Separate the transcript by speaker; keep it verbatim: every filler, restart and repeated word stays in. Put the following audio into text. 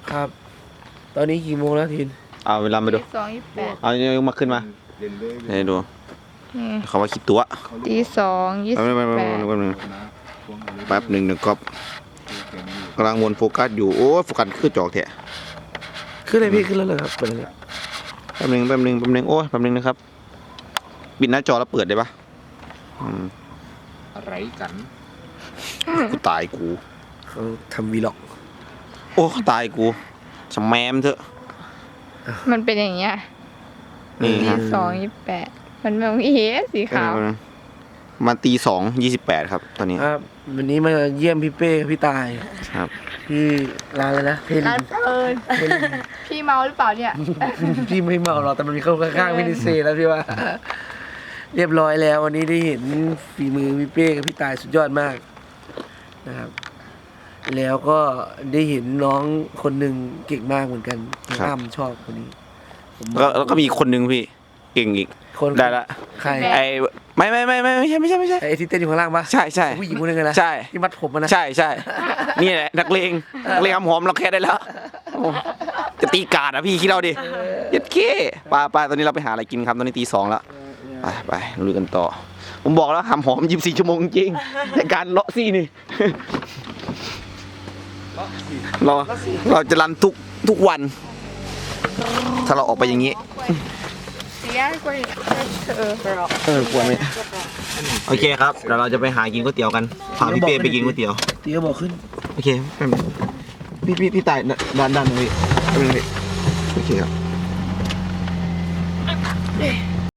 Speaker 1: ครับ ตอนนี้กี่โมงแล้วทิน
Speaker 2: เอาเวลามาดู
Speaker 3: สองยี่สิบแปด
Speaker 2: เอายกมาขึ้นมาให้ดูเขาว่าคิดตัว
Speaker 3: ตีสองยี่สิบแปด
Speaker 2: แป๊บหนึ่งหนึ่งก๊อปกำลังวนโฟกัสอยู่โอ้โฟกัสคือจอกแท้
Speaker 1: ขึ้นเลยพี่ขึ้นแล้วเลยครับเปิดเลย
Speaker 2: แป๊บหนึ่งแป๊บหนึ่งแป๊บหนึ่งโอ้แป๊บหนึ่งนะครับปิดหน้าจอแล้วเปิดได้ปะ
Speaker 4: อะไรกัน
Speaker 2: กูตายกู
Speaker 1: เขาทำวีล็อก
Speaker 2: โอ้ตายกูสแมมเถอะ
Speaker 3: มันเป็นอย่างเงี้ย
Speaker 2: นี่
Speaker 3: ตีสองยี่สิบแปดมันแบบเอ๊ะสีขาว
Speaker 2: มาตีสองยี่สิบแปดครับตอนนี้
Speaker 1: ครับวันนี้มาเยี่ยมพี่เป้พี่ตาย
Speaker 2: ครับ
Speaker 1: พี่ร้านเลยนะเพลินร้านเพลิน
Speaker 3: พี่เมาหรือเปล่าเนี่ย
Speaker 1: พี่ไม่เมาหรอกแต่มันมีข้างข้างพี่นิเซ่แล้วพี่ว่าเรียบร้อยแล้ววันนี้ได้เห็นฝีมือพี่เป้กับพี่ตายสุดยอดมากนะครับแล้วก็ได้เห็นน้องคนหนึ่งเก่งมากเหมือนกันอ้ำชอบคนนี้
Speaker 2: แล้วก็มีคนหนึ่งพี่เก่งอีก
Speaker 1: คน
Speaker 2: ได้ละ
Speaker 1: ใคร
Speaker 2: ไอไม่ไม่ไม่ไม่ไม่ใช่ไม่ใช่ไม่ใช่
Speaker 1: ไอที่เต้นอยู่ข้างล่างปะ
Speaker 2: ใช่ใช่
Speaker 1: ผู้หญิงคนนึงนะ
Speaker 2: ใช่
Speaker 1: ที่มัดผมนะ
Speaker 2: ใช่ใช่นี่แหละนักเลงนักเลงหอมเราแค่ได้แล้วจะตีกาดอ่ะพี่คิดเราดิยัดเค้ปลาปลาตอนนี้เราไปหาอะไรกินครับตอนนี้ตีสองแล้วไปไปลุยกันต่อผมบอกแล้วหำหอมยี่สิบสี่ชั่วโมงจริงในการเลาะซี่นี่เราเราจะรันทุกทุกวันถ้าเราออกไปอย่างนี้
Speaker 3: เสียกว่าเออ
Speaker 2: เออกลัวไหมโอเคครับเดี๋ยวเราจะไปหากินก๋วยเตี๋ยวกันพาพี่เป้ไปกินก๋วยเตี๋ยว
Speaker 1: ตีก็บอกขึ้น
Speaker 2: โอเคพี่พี่พี่ตายด้านด้านนี้โอเคครับ